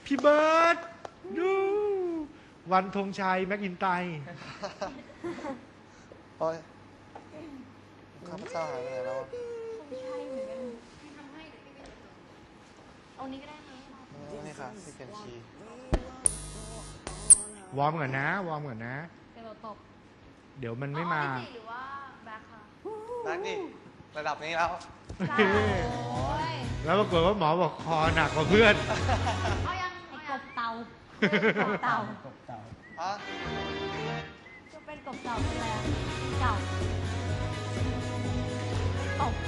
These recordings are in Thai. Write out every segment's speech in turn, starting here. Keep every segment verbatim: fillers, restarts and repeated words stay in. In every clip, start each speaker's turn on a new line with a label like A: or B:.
A: พี่เบิร์ดดูวันธงชัยแม็กอินไตร์
B: โอ้ยข้าพเจ้าหายไปไหนแล้ว
C: ไม่ใช่เหมือนกันพี่ทำให้เดี๋ยวพี่ไปเอานี้ก็ได้ไหม
B: นี่ค่ะที่เปลี่ยนคีย์
A: วอร์มก่อนนะวอร์มก่อนนะ
C: เดี๋ยวเราตบ
A: เดี๋ยวมันไม่มา
C: หรือว่าแบ็คค่ะ
B: แบ็คดิระดับนี้แล้ว
A: แล้วปรากฏว่าหมอบอกคอหนักกว่าเพื่อน
C: เอายังไอ้กบเตากบเตากบเตา
B: อะ
C: จะเป็นกบเตาเป็นอะไรเก่าตบ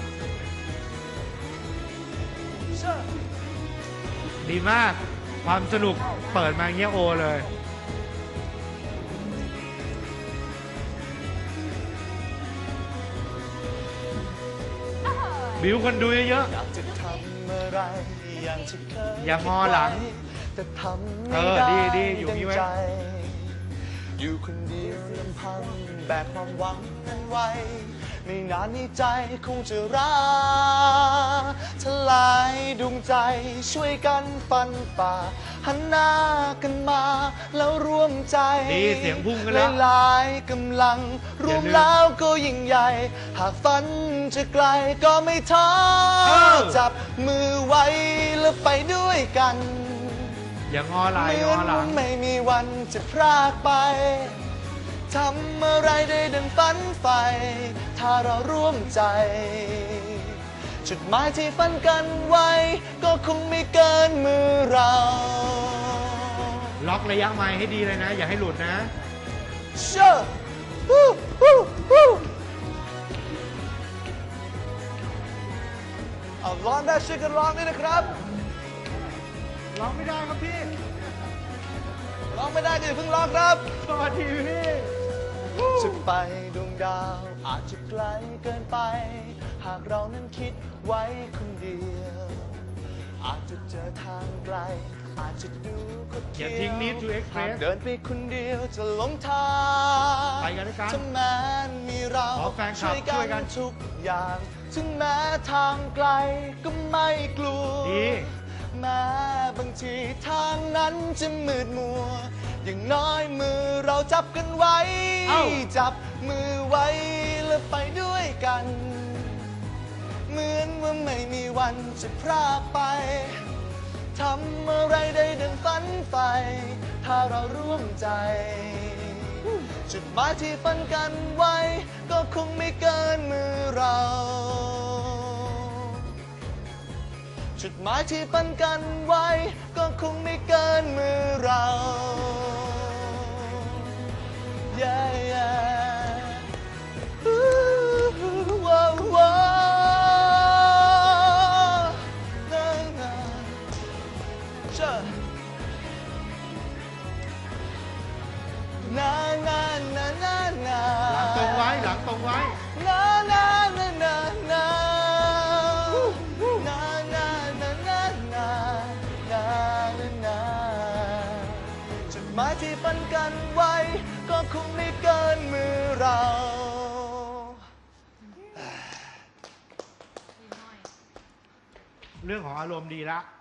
A: ดีมากความสนุกเปิดมาเงี้ยโอเลยบิวคนดูเยอะๆอย่างงอหลังเออดีดีอยู่นี่ไว้
B: อยู่คนเดียวลำพังแบกความหวังนั้นไว้ไม่นานนี้ใจคงจะร้าทลายดวงใจช่วยกันฟันฝ่าหันหน้ากันมาแล้วร่วมใจ
A: ดีเสียงพุ่งกันแล้ว
B: หลายกำลังรวมแล้วก็ยิ่งใหญ่หากฝันจะไกลก็ไม่ท้อจับมือไว้แล้วไปด้วยกัน
A: อย่างงอไหลงอหลัง
B: ไม่มีวันจะพรากไปทำอะไรได้ดังฝันใฝ่ถ้าเราร่วมใจจุดหมายที่ฝันกันไว้ก็คงไม่เกินมือเรา
A: ล็อกระยะไมค์ให้ดีเลยนะอย่าให้หลุดนะ
B: เชื่อฮู้ฮู้ฮู้เอาร้องได้ช่วยกันร้องด้วยนะครับ
A: ร้องไม่ได้ครับพี่
B: ร้องไม่ได้จะเพิ่งร้องครับ
A: สวัสดีพี่
B: จะไปดวงดาวอาจจะไกลเกินไปหากเรานั้นคิดไว้คนเดียวอาจจะเจอทางไกลอาจจะดูคนเดียว
A: อย่าทิ้งนิด to express
B: เดินไปคนเดียวจะหลงทาง
A: ไปกันด้วยกัน
B: ถ้าแม้มีเราช่วยกันทุกอย่างถึงแม้ทางไกลก็ไม่กลัวแม้บางทีทางนั้นจะมืดมัวอย่างน้อยมือเราจับกันไว้จับมือไว้แล้วไปด้วยกันเหมือนว่าไม่มีวันจะพรากไปทำอะไรได้ดังฝันใฝ่ถ้าเราร่วมใจจุดหมายที่ฝันกันไว้ก็คงไม่เกินมือเราจุดหมายที่ฝันกันไว้ก็คงไม่เกินมือเรา yeah, yeah. Ooh, whoa, whoa. Na, na. Sure. Na, na, na, na, na.
A: หลังตรงไว้หลังตรงไว้
B: Na, na, na, na, na.หมายที่ฝันกันไว้ก็คงไม่เกินมือเรา
A: เรื่องของอารมณ์ดีละ